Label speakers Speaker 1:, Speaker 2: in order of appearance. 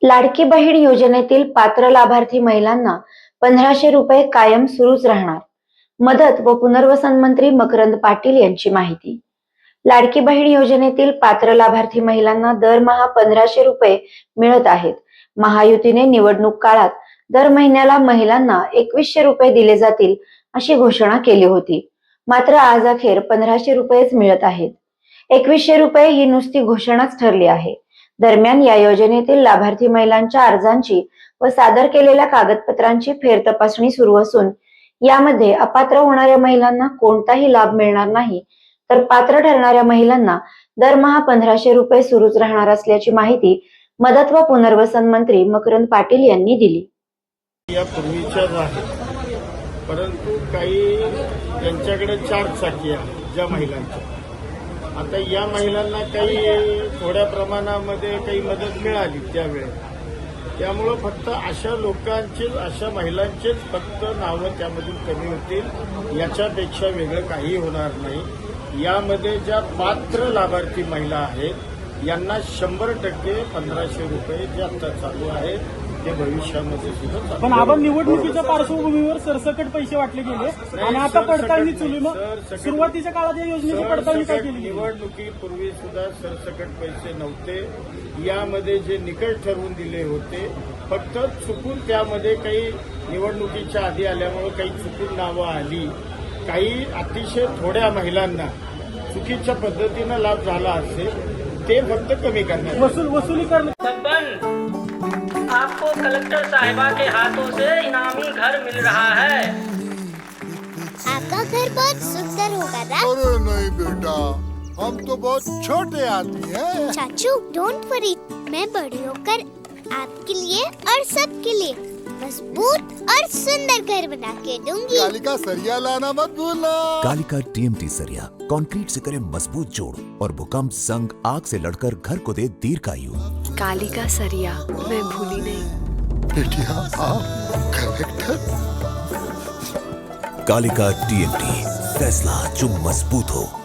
Speaker 1: लाडकी बहीण योजनेतील पात्र लाभार्थी महिलांना 1500 रुपये कायम सुरूच राहणार. मदत व पुनर्वसन मंत्री मकरंद पाटील यांची माहिती. लाडकी बहीण योजनेतील पात्र लाभार्थी महिलांना दरमहा 1500 रुपये मिळत आहेत. महायुतीने निवडणूक काळात दर महिन्याला महिलांना 2100 रुपये दिले जातील अशी घोषणा केली होती. मात्र आज अखेर 1500 रुपयेच मिळत आहेत. 2100 रुपये ही नुसती घोषणाच ठरली आहे. दरम्यान या योजनेतील लाभार्थी महिलांच्या अर्जांची व सादर केलेल्या कागदपत्रांची फेरतपासणी सुरू असून यामध्ये अपात्र होणाऱ्या महिलांना कोणताही लाभ मिळणार नाही, तर पात्र ठरणाऱ्या महिलांना दरमहा 1500 रुपये सुरूच राहणार असल्याची माहिती मदत व पुनर्वसन मंत्री मकरंद पाटील यांनी दिली.
Speaker 2: या पूर्वीच्याच आहेत, परंतु काही त्यांच्याकडे 4 चाकी आहेत ज्या महिलांच्या. आता या महिलांना काही थोड्या प्रमाणामध्ये काही मदत मिळाली त्यावेळेस, त्यामुळं फक्त अशा लोकांचीच, अशा महिलांचीच फक्त नावं त्यामधून कमी होतील, याच्यापेक्षा वेगळं काही होणार नाही. यामध्ये ज्या पात्र लाभार्थी महिला आहेत यांना 100% 1500 रुपये जे आता चालू आहेत ते भविष्यामध्ये सुद्धा.
Speaker 3: पण आपण निवडणुकीच्या पार्श्वभूमीवर सरसकट पैसे वाटले गेले आणि आता पडताळणी चालू. मग सुरुवातीच्या काळात या योजनेची पडताळणी काय केली?
Speaker 2: निवडणुकीपूर्वी सुद्धा सरसकट पैसे नव्हते. यामध्ये जे निकष ठरवून दिले होते, फक्त चुकून त्यामध्ये काही निवडणुकीच्या आधी आल्यामुळे काही चुकून नावं आली. काही अतिशय थोड्या महिलांना चुकीच्या पद्धतीनं लाभ झाला असेल ते फक्त कमी करण्यात.
Speaker 3: वसुली करणे.
Speaker 4: आपको कलेक्टर साहिबा के हाथों से इनामी घर मिल रहा है।
Speaker 5: आपका घर बहुत सुंदर होगा ना?
Speaker 6: अरे नहीं बेटा, हम तो बहुत छोटे आदमी हैं।
Speaker 5: चाचू डोंट वरी, मैं बड़ी होकर आपके लिए और सबके लिए मजबूत और सुंदर घर बना के दूंगी।
Speaker 6: कालिका सरिया लाना मत भूलना।
Speaker 7: कालिका TMT सरिया कंक्रीट से करे मजबूत जोड़ और भूकंप संग आग से लड़कर घर को दे दीर्घायु।
Speaker 8: कालिका सरिया मैं भूली नहीं।
Speaker 6: बेटिया आप कलेक्टर।
Speaker 7: कालिका TMT, फैसला जो मजबूत हो।